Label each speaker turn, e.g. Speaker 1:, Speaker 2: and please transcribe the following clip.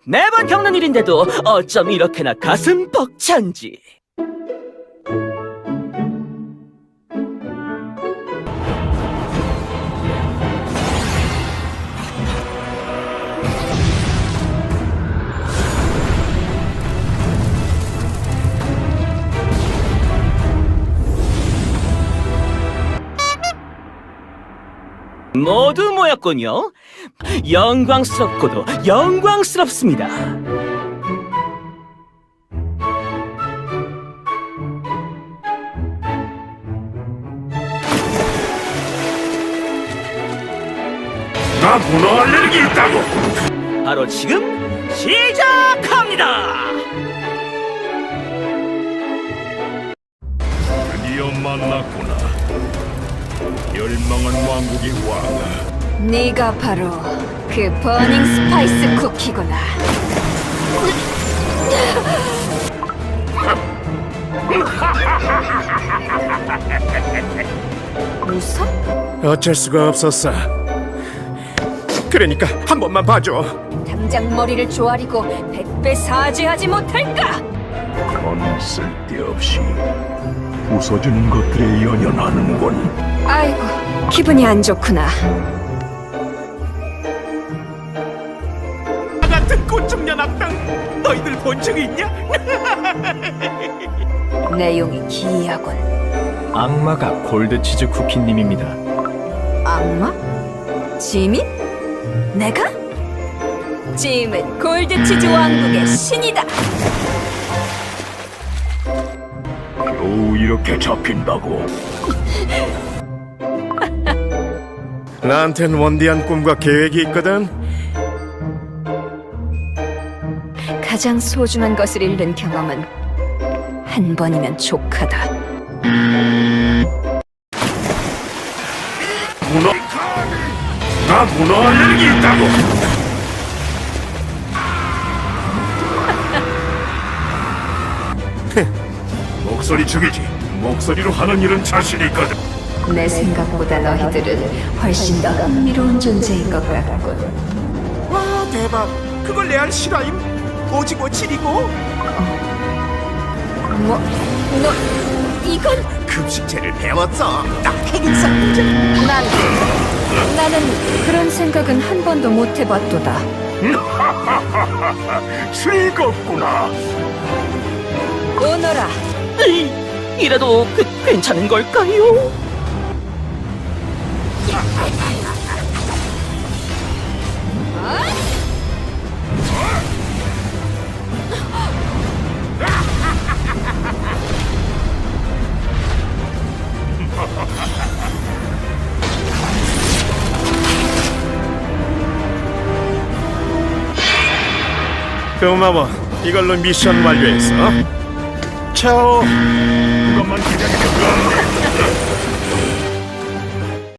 Speaker 1: 매번 겪는 일인데도 어쩜 이렇게나 가슴 벅찬지. 모두 모였군요. 영광스럽고도 영광스럽습니다.
Speaker 2: 나 문어 알레르기 있다고.
Speaker 1: 바로 지금 시작합니다.
Speaker 2: 드디어 만났구나. 멸망한 왕국의 왕아.
Speaker 3: 네가 바로 그 버닝 스파이스 쿠키구나. 웃어?
Speaker 4: 어쩔 수가 없었어. 그러니까 한 번만 봐줘.
Speaker 3: 당장 머리를 조아리고 100배 사죄하지 못할까?
Speaker 2: 넌 쓸데없이 웃어주는 것들에 연연하는군.
Speaker 3: 아이고, 기분이 안 좋구나.
Speaker 4: 나 같은 곤충년 악당 너희들 본 적이 있냐?
Speaker 3: 내용이 기이하군.
Speaker 5: 악마가 골드치즈 쿠키님입니다.
Speaker 3: 악마? 지민? 내가? 짐은 골드치즈 왕국의 신이다.
Speaker 2: 겨우 이렇게 잡힌다고.
Speaker 4: 나한텐 원대한 꿈과 계획이 있거든.
Speaker 3: 가장 소중한 것을 잃는 경험은 한 번이면 족하다.
Speaker 2: 문어. 나 문어 알레르기 있다고. 목소리 죽이지. 목소리로 하는 일은 자신 있거든.
Speaker 3: 내 생각보다 너희들은 훨씬 더 흥미로운 존재인 것 같군.
Speaker 4: 와 대박. 그걸 레알 실화임? 오지고 지리고?
Speaker 3: 뭐? 너 이건
Speaker 4: 급식체를 배웠어. 딱 핵인성 문제.
Speaker 3: 나는 그런 생각은 한 번도 못 해봤도다.
Speaker 2: 즐겁구나.
Speaker 3: 오너라.
Speaker 1: 이래도 괜찮은 걸까요?
Speaker 4: 고마워. 이걸로 미션 완료했어. 차오.
Speaker 2: 그것만 기다리면